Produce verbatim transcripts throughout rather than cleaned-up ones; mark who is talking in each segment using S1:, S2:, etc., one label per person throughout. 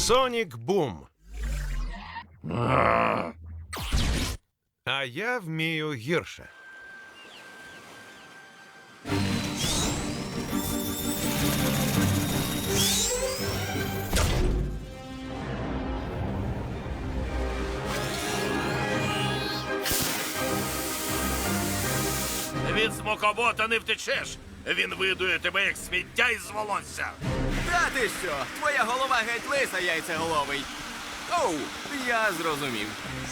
S1: Сонік Бум. А я вмію гірше.
S2: Від смокобота не втечеш. Він видує тебе, як сміття із волосся.
S3: Та ти що? Твоя голова геть лиса, яйцеголовий. Оу, я зрозумів.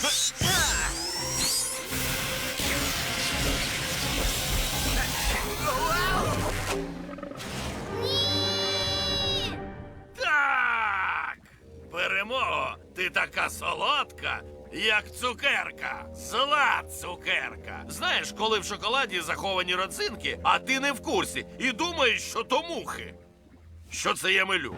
S2: Так! Перемога! Ти така солодка, як цукерка. Зла цукерка. Знаєш, коли в шоколаді заховані родзинки, а ти не в курсі і думаєш, що то мухи. Що це я милю?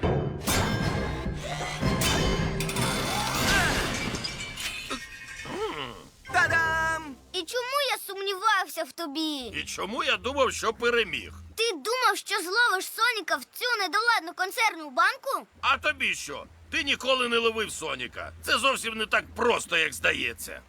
S3: Та-дам!
S4: І чому я сумнівався в тобі?
S2: І чому я думав, що переміг?
S4: Ти думав, що зловиш Соніка в цю недоладну консервну банку?
S2: А тобі що? Ти ніколи не ловив Соніка. Це зовсім не так просто, як здається.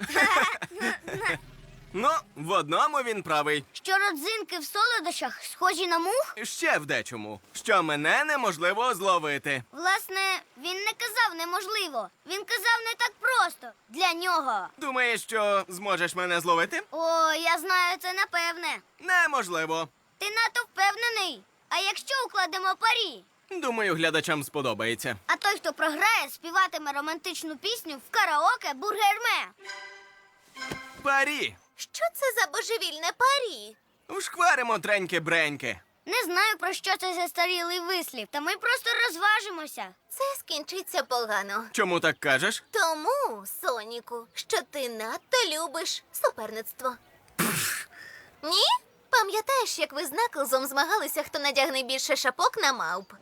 S3: Ну, в одному він правий.
S4: Що родзинки в солодощах схожі на мух?
S3: Ще в дечому. Що мене неможливо зловити.
S4: Власне, він не казав неможливо. Він казав не так просто. Для нього.
S3: Думаєш, що зможеш мене зловити?
S4: О, я знаю це напевне.
S3: Неможливо.
S4: Ти надто впевнений. А якщо укладемо парі?
S3: Думаю, глядачам сподобається.
S4: А той, хто програє, співатиме романтичну пісню в караоке Бургерме.
S3: Парі!
S4: Що це за божевільне парі?
S3: Вшкваримо треньки-бреньки.
S4: Не знаю, про що це застарілий вислів, та ми просто розважимося.
S5: Це скінчиться погано.
S3: Чому так кажеш?
S5: Тому, Соніку, що ти надто любиш суперництво. Ні? Пам'ятаєш, як ви з Наклзом змагалися, хто надягне більше шапок на мавп?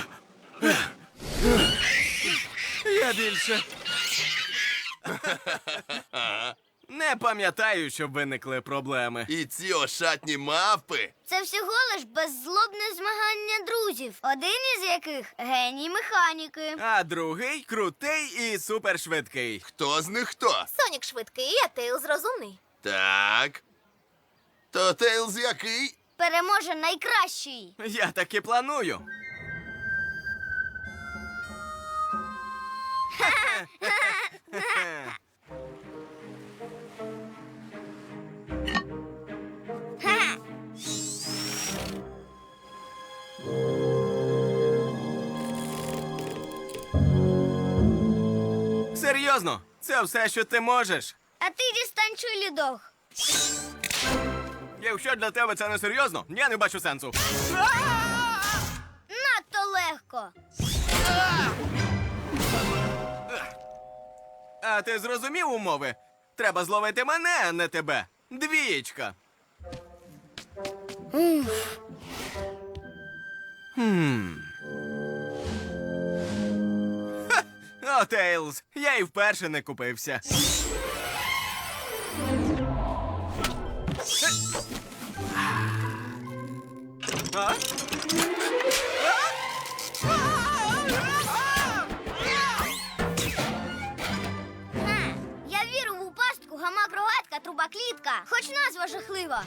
S3: Я більше. Не пам'ятаю, щоб виникли проблеми.
S6: І ці ошатні мавпи.
S4: Це всього лиш беззлобне змагання друзів, один із яких геній механіки.
S3: А другий крутий і супершвидкий.
S6: Хто з них хто?
S5: Сонік швидкий, а Тейлз розумний.
S6: Так. То Тейлз який?
S4: Переможе найкращий.
S3: Я так і планую.
S4: Ха!
S3: Серйозно, це все, що ти можеш.
S4: А ти дістань чулідох.
S3: Якщо для тебе це не серйозно, я не бачу сенсу.
S4: Надто легко.
S3: А ти зрозумів умови? Треба зловити мене, а не тебе. Двієчка. Хм. Ха! О, Тейлз, я і вперше не купився. А?
S4: Ха! Я вірю в пастку, гамак, рогатка, труба, клітка. Хоч назва жахлива.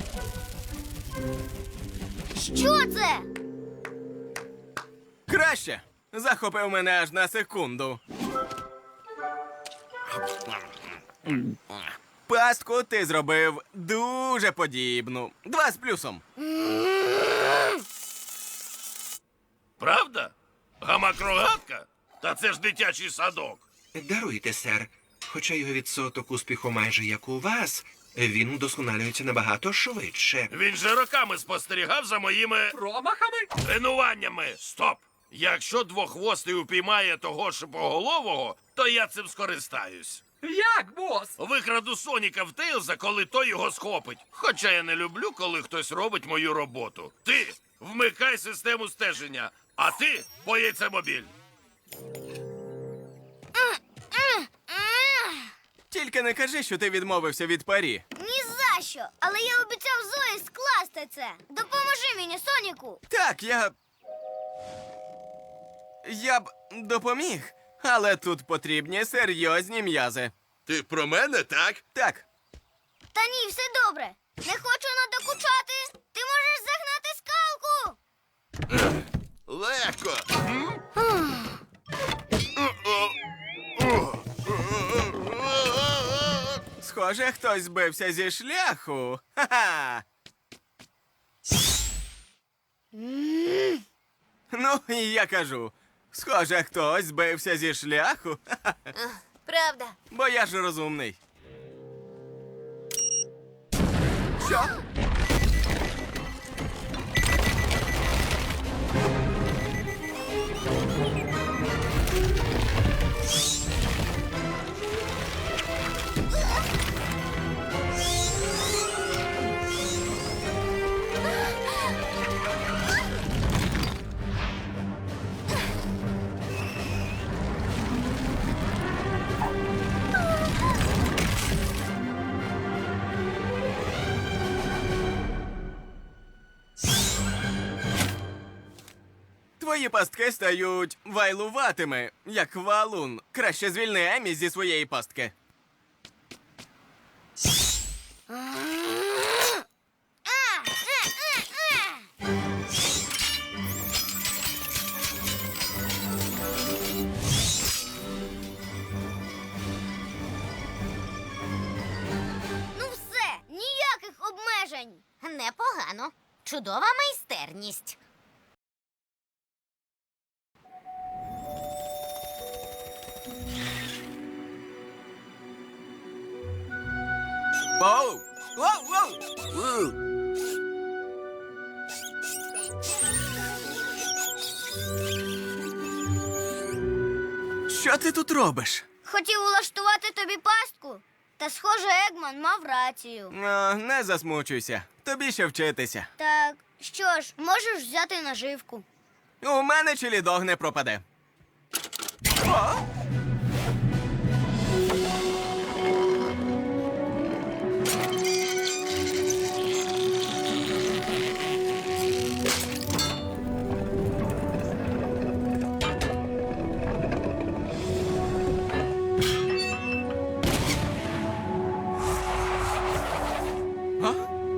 S4: Що це?
S3: Краще. Захопив мене аж на секунду. Пастку ти зробив дуже подібну. Два з плюсом.
S2: Правда? Гамак-рогатка? Та це ж дитячий садок.
S7: Даруйте, сер. Хоча його відсоток успіху майже як у вас, він удосконалюється набагато швидше.
S2: Він же роками спостерігав за моїми
S8: Промахами?
S2: тренуваннями. Стоп! Якщо двохвостий упіймає того шипоголового, то я цим скористаюсь.
S8: Як, бос?
S2: Викраду Соніка в Тейлза, коли той його схопить. Хоча я не люблю, коли хтось робить мою роботу. Ти вмикай систему стеження, а ти по яйцемобіль.
S3: Тільки не кажи, що ти відмовився від парі.
S4: Ні за що. Але я обіцяв Зої скласти це. Допоможи мені, Соніку.
S3: Так, я. Я б допоміг, Але тут потрібні серйозні м'язи.
S6: Ти про мене, так?
S3: Так,
S4: Та ні, все добре. Не хочу надокучати. Ти можеш загнати скалку.
S6: Легко.
S3: схоже, хтось збився зі шляху. Ха-ха! Ну, і я кажу, схоже, хтось збився зі шляху. Ха-ха.
S5: Правда.
S3: Бо я ж розумний. Що? Твої пастки стають вайлуватими, як валун. Краще звільни Емі зі своєї пастки.
S4: Ну все, ніяких обмежень.
S5: Непогано. Чудова майстерність.
S3: Оу! Воу, воу! Що ти тут робиш?
S4: Хотів улаштувати тобі пастку. Та, схоже, Егман мав рацію.
S3: О, не засмучуйся. Тобі ще вчитися.
S4: Так, що ж, можеш взяти наживку.
S3: У мене чилідог не пропаде. О! А?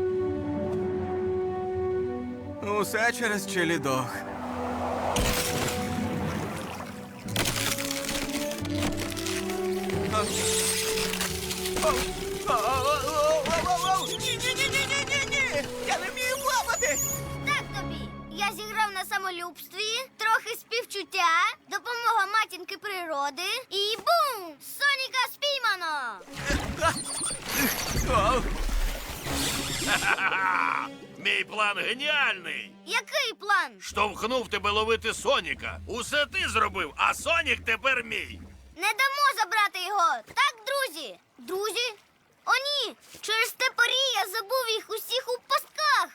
S3: Усе через чилідог. Ні-ні-ні-ні-ні-ні! Я не вмію плавати!
S4: Так тобі. Я зіграв на самолюбстві, трохи співчуття, допомога матінки природи і бум! Соніка спіймано!
S3: О,
S2: Ха-ха-ха! Мій план геніальний!
S4: Який план?
S2: Штовхнув тебе ловити Соніка. Усе ти зробив, а Сонік тепер мій.
S4: Не дамо забрати його. Так, друзі? Друзі? О, ні! Через те парі я забув їх усіх у пастках.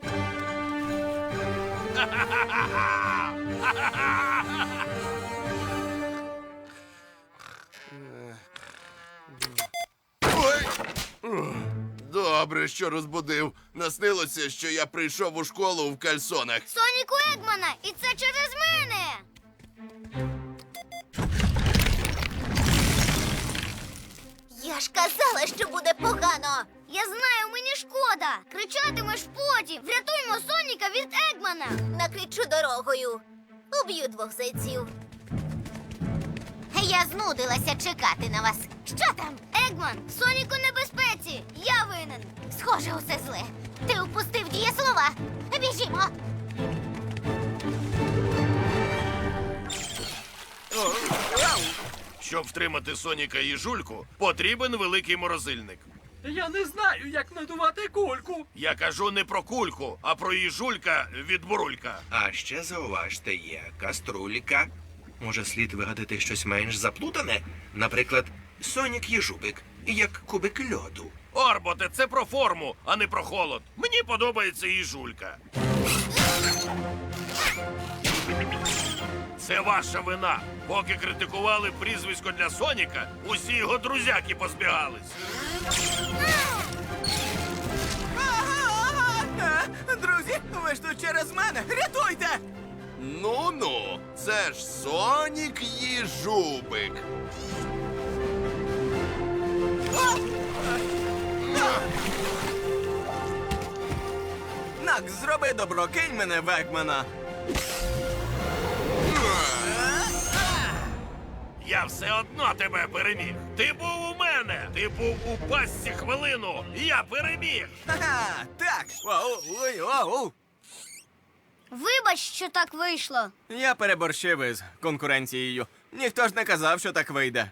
S6: Ой! Добре, що розбудив. Наснилося, що я прийшов у школу в кальсонах.
S4: Соніку Егмана, і це через мене.
S5: Я ж казала, що буде погано.
S4: Я знаю, мені шкода. Кричатимеш потім. Врятуймо Соніка від Егмана.
S5: Накричу дорогою. Уб'ю двох зайців. Я знудилася чекати на вас. Що там?
S4: Егман, Сонік у небезпеці. Я винен.
S5: Схоже, усе зле. Ти впустив дієслова. Біжімо.
S2: Щоб втримати Соніка і Жульку, потрібен великий морозильник.
S8: Я не знаю, як надувати кульку.
S2: Я кажу не про кульку, а про їжулька від бурулька.
S7: А ще зауважте, є каструлька. Може, слід вигадати щось менш заплутане? Наприклад, Сонік Єжубик, як кубик льоду.
S2: Орботе, це про форму, а не про холод. Мені подобається їжулька. Це ваша вина. Поки критикували прізвисько для Соніка, усі його друзяки позбігались.
S3: Друзі, ви ж тут через мене! Рятуйте!
S6: Ну-ну, це ж Сонік Їжубик.
S3: Нак, зроби добро, кинь мене в Егмана.
S2: Я все одно тебе переміг. Ти був у мене. Ти був у пастці хвилину. Я переміг.
S3: Ха-ха, так. Оу, ой, оу.
S4: Вибач, що так вийшло.
S3: Я переборщив із конкуренцією. Ніхто ж не казав, що так вийде.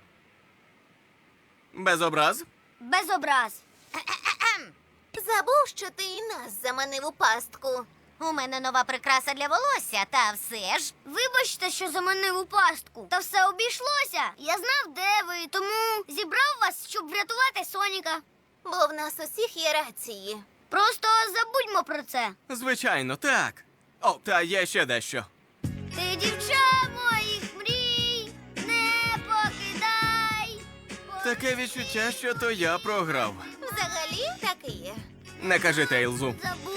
S3: Без образ?
S4: Без образ.
S5: Забув, що ти і нас заманив у пастку. У мене нова прикраса для волосся, та все ж.
S4: Вибачте, що заманив у пастку. Та все обійшлося. Я знав, де ви, тому зібрав вас, щоб врятувати Соніка.
S5: Бо в нас усіх є рації.
S4: Просто забудьмо про це.
S3: Звичайно, так. О, та є ще дещо.
S4: Ти дівча моїх мрій, не покидай.
S3: Таке відчуття, що то я програв.
S5: Взагалі так і є.
S3: Не кажи Тейлзу.
S4: Забудь